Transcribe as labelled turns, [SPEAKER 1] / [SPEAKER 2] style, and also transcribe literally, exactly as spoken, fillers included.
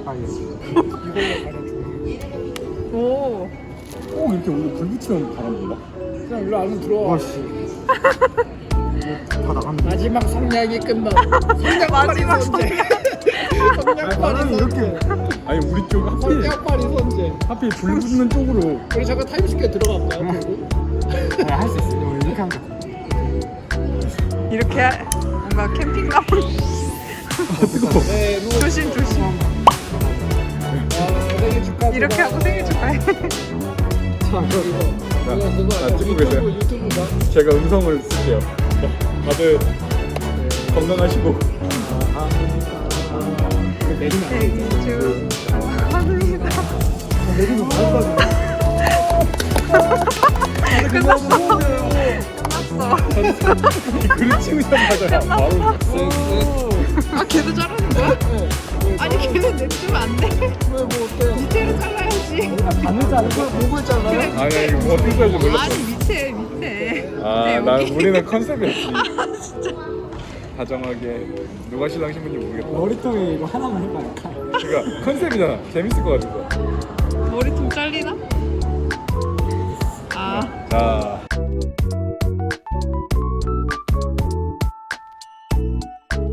[SPEAKER 1] 가요.
[SPEAKER 2] 이걸로 가려줘.
[SPEAKER 3] 오.
[SPEAKER 4] 꼭 이렇게 우리 불 붙이면 바람 불나?
[SPEAKER 2] 그냥 일로 안으로 들어와.
[SPEAKER 1] 와씨. 다 나갔네.
[SPEAKER 2] 마지막 성냥이 끝나. 성냥팔이
[SPEAKER 3] 마지막
[SPEAKER 2] 선제.
[SPEAKER 1] 아니,
[SPEAKER 2] 성냥팔이
[SPEAKER 1] 바람이 이렇게.
[SPEAKER 2] 선제.
[SPEAKER 4] 아니 우리 쪽 하필
[SPEAKER 2] 성냥팔이 선제.
[SPEAKER 4] 하필 불 붙는 쪽으로.
[SPEAKER 2] 우리 잠깐 타임스퀘어 들어갈까?
[SPEAKER 1] 네, 할 수 있어. 우리 이렇게 하면 돼.
[SPEAKER 3] 이렇게 하- 뭔가 캠핑감.
[SPEAKER 4] 뜨거워.
[SPEAKER 2] 네, 누워.
[SPEAKER 3] 조심 조심.
[SPEAKER 2] 아, 생일 축하.
[SPEAKER 3] 이렇게 하고 생일 축하해.
[SPEAKER 2] 자, 그거.
[SPEAKER 4] 자,
[SPEAKER 2] 그거 그거
[SPEAKER 4] 자,
[SPEAKER 2] 아니야?
[SPEAKER 4] 찍고
[SPEAKER 2] 유튜브,
[SPEAKER 4] 계세요.
[SPEAKER 2] 유튜브 봐.
[SPEAKER 4] 제가 음성을 쓸게요. 다들 건강하시고.
[SPEAKER 1] 내리면 안 돼.
[SPEAKER 3] 생일 축하합니다.
[SPEAKER 1] 내리면 바로 가지.
[SPEAKER 3] 끝났어. 끝났어.
[SPEAKER 4] 그릇 치우자마자 바로.
[SPEAKER 3] 아 걔도 자르는 거야? 아니 걔는 내주면 안 돼.
[SPEAKER 2] 왜, 뭐 어때?
[SPEAKER 3] 밑에로 잘라야지.
[SPEAKER 1] 반을 자르고.
[SPEAKER 2] 목을 잘라.
[SPEAKER 3] 그래.
[SPEAKER 4] 아니 이거 뭐 어떻게 할지 몰랐어.
[SPEAKER 3] 아니 밑에 밑에.
[SPEAKER 4] 아,
[SPEAKER 3] 밑에
[SPEAKER 4] 난
[SPEAKER 3] 여기.
[SPEAKER 4] 우리는 컨셉이었지. 다정하게 누가 신랑 신부인지 모르겠다.
[SPEAKER 1] 머리통에 이거 하나만 해봐.
[SPEAKER 4] 그러니까 컨셉이잖아. 재밌을 것 같아서.
[SPEAKER 3] 머리통 잘리나? 아.
[SPEAKER 4] 자.